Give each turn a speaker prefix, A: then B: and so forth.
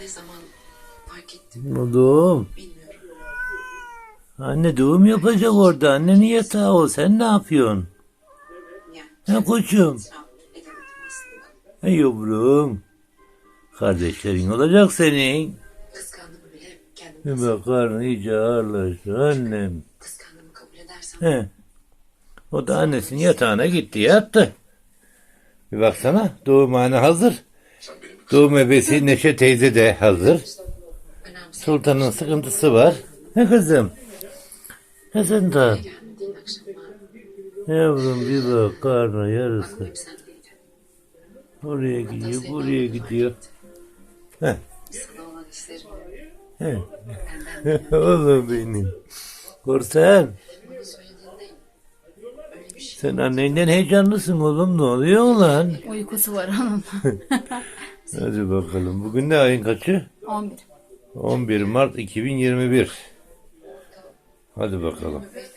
A: ne zaman fark ettim
B: Oğlum.
A: bilmiyorum.
B: Anne doğum yapacak orada. Annenin yatağı o. Sen ne yapıyorsun?
A: Yani
B: He koçum.
A: itiraf edemedim aslında.
B: He yavrum. Kardeşlerin olacak senin.
A: Kıskandığımı bile kendime
B: Bir
A: nasıl
B: bakar iyice ağırlaştı annem.
A: kıskandığımı kabul edersem
B: He. O da annesinin yatağına gitti yattı. Bir baksana doğumhane hazır. Doğum ebesi Neşe teyze de hazır.
A: önemli
B: Sultan'ın sıkıntısı var. He kızım. He sen de.
A: gelmediğin akşamlar
B: Yavrum bir bak karnı yarısı.
A: aklım hep sendeydi.
B: Oraya gidiyor buraya gidiyor. He.
A: Sana olan hislerim
B: He.
A: benden
B: Oğlum benim. Korsan.
A: bana söylediğinde öyle bir şey.
B: Sen annenden heyecanlısın oğlum. Ne oluyor lan?
C: Uykusu var onun.
B: Hadi bakalım. Bugün ne ayın kaçı?
C: 11.
B: 11 Mart 2021. Hadi bakalım.